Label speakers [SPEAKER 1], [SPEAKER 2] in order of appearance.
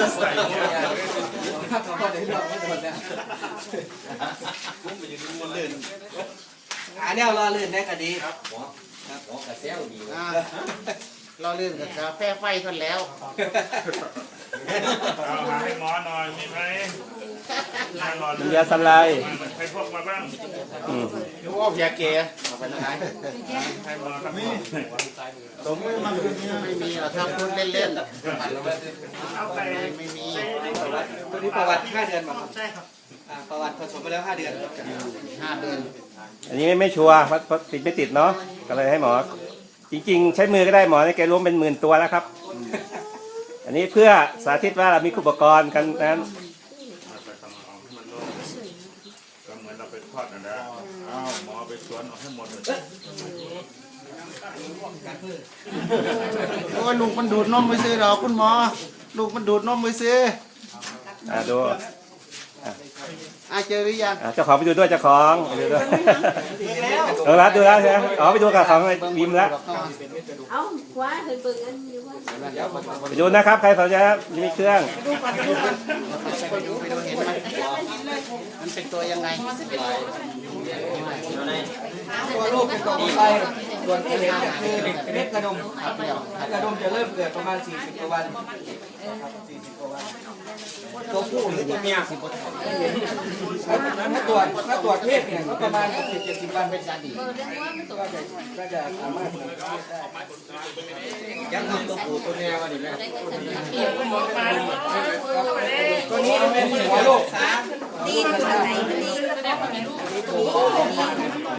[SPEAKER 1] ใส่เนี่ย
[SPEAKER 2] พอได้รอบไม่โดนแล้วอันนี้เราลื่นได้ก็ดีหมอกระเซลดี
[SPEAKER 3] เราเรื่องกับกาแฟไฟกันแล้ว
[SPEAKER 1] เอาหาให้หมอหน่อยมีไหม
[SPEAKER 4] น้ำยาสไลด์
[SPEAKER 1] ใครพกมาบ้าง
[SPEAKER 3] รู้ว่าเพียเกย์ไปไหน
[SPEAKER 1] ให้หมอครับ
[SPEAKER 3] สมมติมันไม่มีหรอกครับพูดเล่น
[SPEAKER 1] เอาไป
[SPEAKER 3] ๆไม่มี
[SPEAKER 2] ตัวนี้ประวัติ5 เดือนมาครับใช่ครับประวัติผสมไปแล้ว5 เดือน
[SPEAKER 3] 5 เดือน
[SPEAKER 4] อันนี้ไม่ชัวร์เพราะติดไม่ติดเนาะก็เลยให้หมอ จริงๆ ใช้มือก็ได้หมอในแกรวมเป็น10,000 ตัวแล้วครับ อันนี้เพื่อสาธิตว่าเรามีอุปกรณ์กันนั้น
[SPEAKER 1] ไปทำเอาให้มันโล่งก็เหมือนเราไปทอดนะเอาหมอไปสวนเอาให้หมดเลย
[SPEAKER 3] โอ้ยลูกมันดูดนมไปซื้อหรอคุณหมอลูกมันดูดนมไปซื้อ
[SPEAKER 4] ดู
[SPEAKER 3] เจอหรือยัง
[SPEAKER 4] เจ้าของไปดูด้วยเจ้าของไปดูด้วยดูแล้วใช่ไหมอ๋อไปดูกับของวิมแล้ว
[SPEAKER 5] เอาคว้าเห็นเบิ่งอันอยู่ว่า
[SPEAKER 4] ไปดูนะครับใครสนใจมีเครื่อง
[SPEAKER 3] ไปดูเห็นไหมมันเป็นตัวยังไง
[SPEAKER 2] ตัวลูกเป็นตัวผู้ชายส่วนที่เหลือคือเม็ดกระดมกระดมจะเริ่มเกิดประมาณ40 กว่าวัน40 กว่าวันตัวผู้หรือตัวเมียถ้าตรวจเพศเนี่ยก็ประมาณ60-70 วันเป็นการดีก็จะสามารถยังทำตัวผู้ตัวเมียวันนี้ไหมตัวนี้เป็นหัวโลก
[SPEAKER 5] ดีนตัวไหนดีน